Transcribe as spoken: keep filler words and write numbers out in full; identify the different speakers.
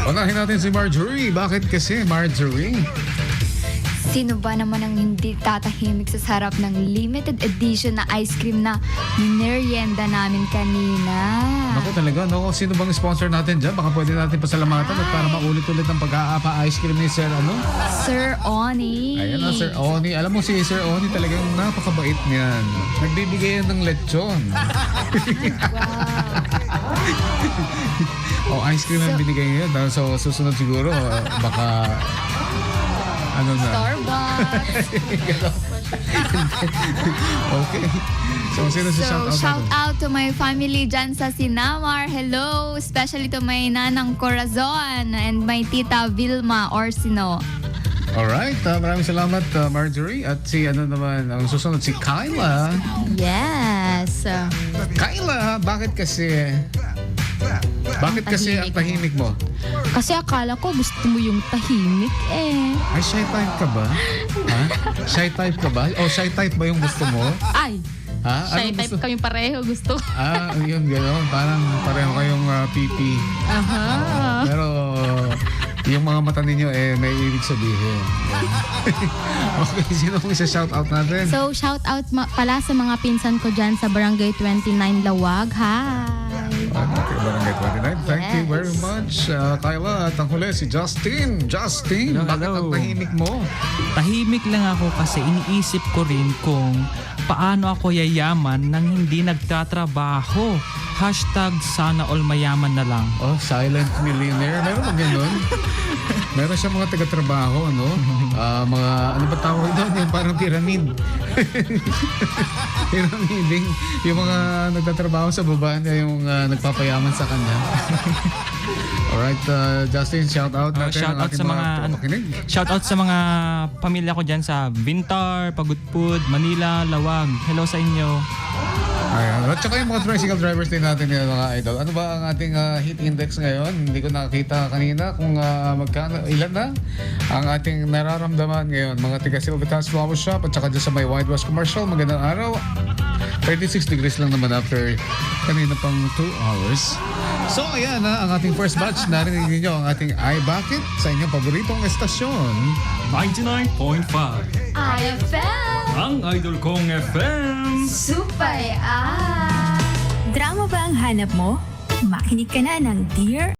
Speaker 1: Unahin natin si Marjorie. Bakit kasi, Marjorie?
Speaker 2: Sino ba naman ang hindi tatahimik sa sarap ng limited edition na ice cream na merienda namin kanina?
Speaker 1: Ako talaga, no? Sino bang sponsor natin dyan? Baka pwede natin pasalamatan at para maulit-ulit ang pag-aapa ice cream ni Sir, ano?
Speaker 2: Sir Oni.
Speaker 1: Ayan na, Sir Oni. Alam mo si Sir Oni talagang napakabait niyan. Nagbibigay yan ng lechon.
Speaker 2: Wow.
Speaker 1: O, ice cream ang
Speaker 2: So-
Speaker 1: binigay niya. So, susunod siguro, uh, baka... Ano na?
Speaker 2: Starbucks.
Speaker 1: Okay. So, sino si
Speaker 2: So,
Speaker 1: shout out
Speaker 2: shout
Speaker 1: natin?
Speaker 2: out to my family dyan sa Sinamar. Hello! Especially to my nanang Corazon and my tita Vilma Orsino.
Speaker 1: Alright, uh, maraming salamat uh, Marjorie. At si ano naman, ang susunod si Kyla.
Speaker 2: Yes!
Speaker 1: Kyla, bakit kasi... Bakit kasi ang tahimik mo?
Speaker 2: Kasi akala ko gusto mo yung tahimik eh.
Speaker 1: Ay, shy type ka ba? Ha? Shy type ka ba? O shy type ba yung gusto mo?
Speaker 2: Ay!
Speaker 1: Ha?
Speaker 2: Shy
Speaker 1: Anong
Speaker 2: type
Speaker 1: gusto?
Speaker 2: kami pareho gusto.
Speaker 1: Ah, yun gano'n. Parang pareho kayong uh, pipi.
Speaker 2: Aha.
Speaker 1: Pero yung mga mata ninyo eh may ibig sabihin. Okay, sino kung isa shout out natin?
Speaker 2: So, shout out ma- pala sa mga pinsan ko dyan sa Barangay twenty-nine Lawag. Hi!
Speaker 1: Okay, Barangay twenty-nine. Thank you
Speaker 2: Yes.
Speaker 1: very much, uh, Kyla. At ang huli, si Justin. Justin,
Speaker 3: Hello,
Speaker 1: bakit
Speaker 3: hello.
Speaker 1: ang tahimik mo?
Speaker 3: Tahimik lang ako kasi iniisip ko rin kung paano ako yayaman nang hindi nagtatrabaho. Hashtag sana all mayaman na lang.
Speaker 1: Oh, silent millionaire. Meron ba ganun? Meron siya mga taga-trabaho, ano? Ah, mga, ano ba tawag doon? Yung parang pyramid. Pyramiding. Yung mga nagtatrabaho sa baba niya, yung ah, nagpapayaman sa kanya. Alright, uh, Justin, shout out
Speaker 3: Uh,
Speaker 1: natin.
Speaker 3: shout
Speaker 1: ang
Speaker 3: out
Speaker 1: ating
Speaker 3: sa mga ano,
Speaker 1: makinig.
Speaker 3: shout out sa mga pamilya ko diyan sa Bintar, Pagudpud, Manila, Lawag. Hello sa inyo.
Speaker 1: Ayan. At saka yung mga tricycle drivers din natin yun, mga idol. Ano ba ang ating ah, heat index ngayon? Hindi ko nakakita kanina kung ah, magkano, ilan na ang ating nararamdaman ngayon. Mga tiga Silvitas Flower Shop at saka dyan sa may Wide West Commercial. Magandang araw. thirty-six degrees lang naman after kanina pang two hours. So ayan na ang ating first batch. Narinig niyo ang ating I Bakit sa inyong paboritong estasyon.
Speaker 4: ninety-nine point five.
Speaker 2: I F M!
Speaker 4: Ang idol kong F M.
Speaker 2: Supay ah!
Speaker 5: Drama ba ang hanap mo? Makinig ka na ng Dear